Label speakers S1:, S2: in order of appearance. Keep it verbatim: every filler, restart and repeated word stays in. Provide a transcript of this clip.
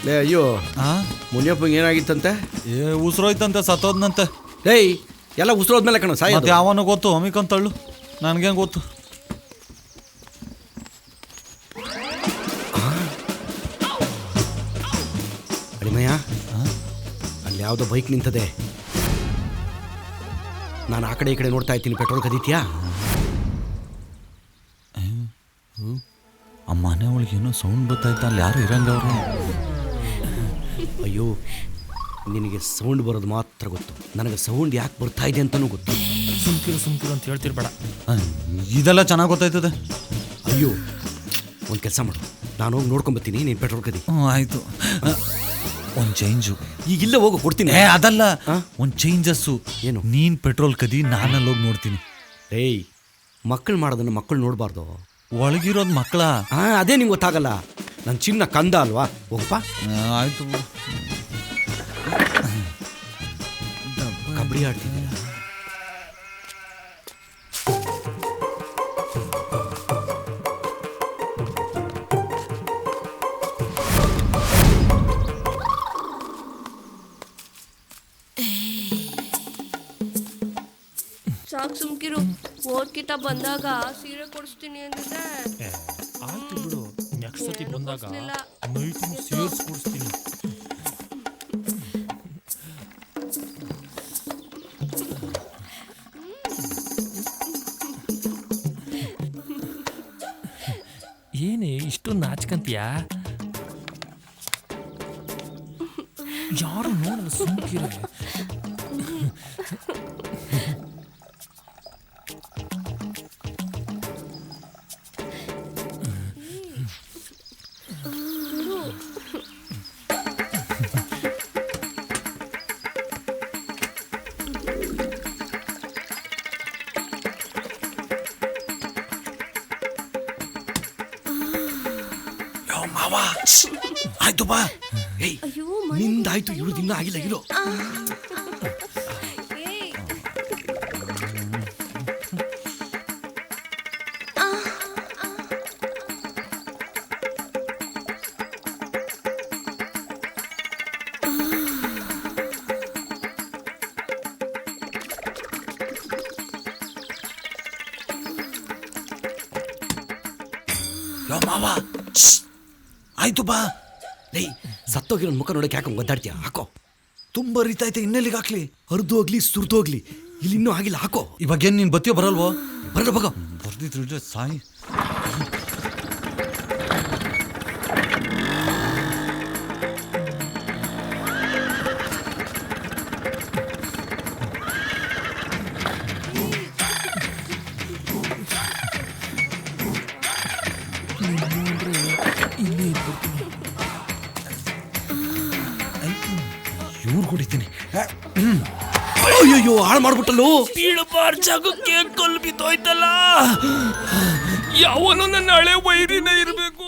S1: ಲೇ ಅಯ್ಯೋ
S2: ಹಾ
S1: ಮುನಿಯಪ್ಪಂಗೆ ಏನಾಗಿತ್ತಂತೆ?
S2: ಏ ಉಸಿರೋಯ್ತಂತೆ, ಸತ್ತೋದ್ನಂತೆ.
S1: ಏಯ್ ಎಲ್ಲ ಉಸಿರೋದ್ಮೇಲೆ ಕಣ ಸಾಯ.
S2: ಮತ್ತೆ ಯಾವನು ಗೊತ್ತು ಅಮಿಕಂತಳ್ಳು, ನನ್ಗೇನು ಗೊತ್ತು.
S1: ಅಳಿಮಯ್ಯ, ಅಲ್ಲಿ ಯಾವುದೋ ಬೈಕ್ ನಿಂತದೆ. ನಾನು ಆ ಕಡೆ ಈ ಕಡೆ ನೋಡ್ತಾ ಇದ್ದೀನಿ. ಪೆಟ್ರೋಲ್ ಕದೀತ್ಯಾ?
S2: ಆ ಮನೆ ಒಳಗೆ ಏನೋ ಸೌಂಡ್ ಬರ್ತಾಯ್ತ, ಅಲ್ಲಿ ಯಾರು ಇರಂಗವ್ರು.
S1: ಅಯ್ಯೋ, ನಿನಗೆ ಸೌಂಡ್ ಬರೋದು ಮಾತ್ರ ಗೊತ್ತು, ನನಗೆ ಸೌಂಡ್ ಯಾಕೆ ಬರ್ತಾ ಇದೆ ಅಂತಲೂ ಗೊತ್ತು.
S3: ಸುಮ್ಕಿರು ಸುಮ್ಕಿರು ಅಂತ ಹೇಳ್ತಿರ್ಬೇಡ.
S2: ಇದೆಲ್ಲ ಚೆನ್ನಾಗಿ ಗೊತ್ತಾಯ್ತದೆ.
S1: ಅಯ್ಯೋ, ಒಂದು ಕೆಲಸ ಮಾಡು, ನಾನು ಹೋಗಿ ನೋಡ್ಕೊಂಬತ್ತೀನಿ, ನೀನು ಪೆಟ್ರೋಲ್ ಕದಿ.
S2: ಹ್ಞೂ ಆಯಿತು. ಒಂದು ಚೇಂಜು
S1: ಈಗಿಲ್ಲ, ಹೋಗು ಕೊಡ್ತೀನಿ.
S2: ಏ ಅದಲ್ಲ, ಒಂದು ಚೇಂಜಸ್ಸು.
S1: ಏನು?
S2: ನೀನು ಪೆಟ್ರೋಲ್ ಕದಿ, ನಾನಲ್ಲಿ ಹೋಗಿ ನೋಡ್ತೀನಿ.
S1: ಏಯ್, ಮಕ್ಕಳು ಮಾಡೋದನ್ನು ಮಕ್ಕಳು ನೋಡಬಾರ್ದು.
S2: ಒಳಗಿರೋದು ಮಕ್ಕಳ.
S1: ಹಾಂ, ಅದೇ ನಿಂಗೆ ಗೊತ್ತಾಗಲ್ಲ. ನನ್ನ ಚಿನ್ನ ಕಂದ ಅಲ್ವಾ, ಹೋಗಪ್ಪ.
S2: ಆಯಿತು.
S1: ಕಬಡ್ಡಿ ಆಡ್ತಿದ್ದೀರಾ?
S4: ಸಾಕು ಸುಮ್ಕಿರು. ಓದ್ಕಿತ ಬಂದಾಗ ಸೀರೆ ಕೊಡಿಸ್ತೀನಿ ಅಂದಿದ್ದೆ.
S3: ಆಯ್ತು ಬಿಡು, ನೆಕ್ಸ್ಟ್ ಸತಿ ಬಂದಾಗ ನೈಟು ಸೇರ್ಸ್ ಕೊಡಿಸ್ತೀನಿ. ಏನೇ ಇಷ್ಟೊಂದು ನಾಚ್ಕಂತೀಯಾ? ಯಾರು ನೋಡಲ್ಲ, ಸುಮ್ಕಿರ.
S1: ಆಯ್ತು ಬಾ. ಏಯ್, ನಿಂದಾಯ್ತು, ಇವ್ರದ್ದು ಇನ್ನೂ ಆಗಿಲ್ಲ. ಇರೋ ಮಾವ. ಆಯ್ತು ಬಾ. ಏಯ್, ಸತ್ತೋಗಿರೋ ಮುಖ ನೋಡಕ್ಕೆ ಯಾಕೆ ಒದ್ದಾಡ್ತೀಯ? ಹಾಕೋ.
S2: ತುಂಬ ರೀತೈತೆ, ಇನ್ನೆಲ್ಲಿಗೆ ಹಾಕ್ಲಿ?
S1: ಹರಿದು ಹೋಗ್ಲಿ, ಸುರಿದು ಹೋಗ್ಲಿ, ಇಲ್ಲಿ ಇನ್ನೂ ಆಗಿಲ್ಲ. ಹಾಕೋ.
S2: ಇವಾಗೇನು ನೀನು ಬತ್ತಿಯೋ ಬರಲ್ವೋ?
S1: ಬರಲ್ಲ, ಬಗ.
S2: ಬರ್ದಿದ್ರೆ ಸಾಯಿ. ಇವ್ರು ಕುಡಿತೀನಿ.
S1: ಅಯ್ಯೋ, ಹಾಳು ಮಾಡ್ಬಿಟ್ಟಲ್ಲೋ.
S3: ಬೀಳಬಾರ್ ಜಾಗಕ್ಕೆ ಕಲ್ಲು ಬಿದ್ದೋಯ್ತಲ್ಲ. ಯಾವನೋ ನನ್ನ ಹಳೆ ವೈರಿನೇ ಇರಬೇಕು.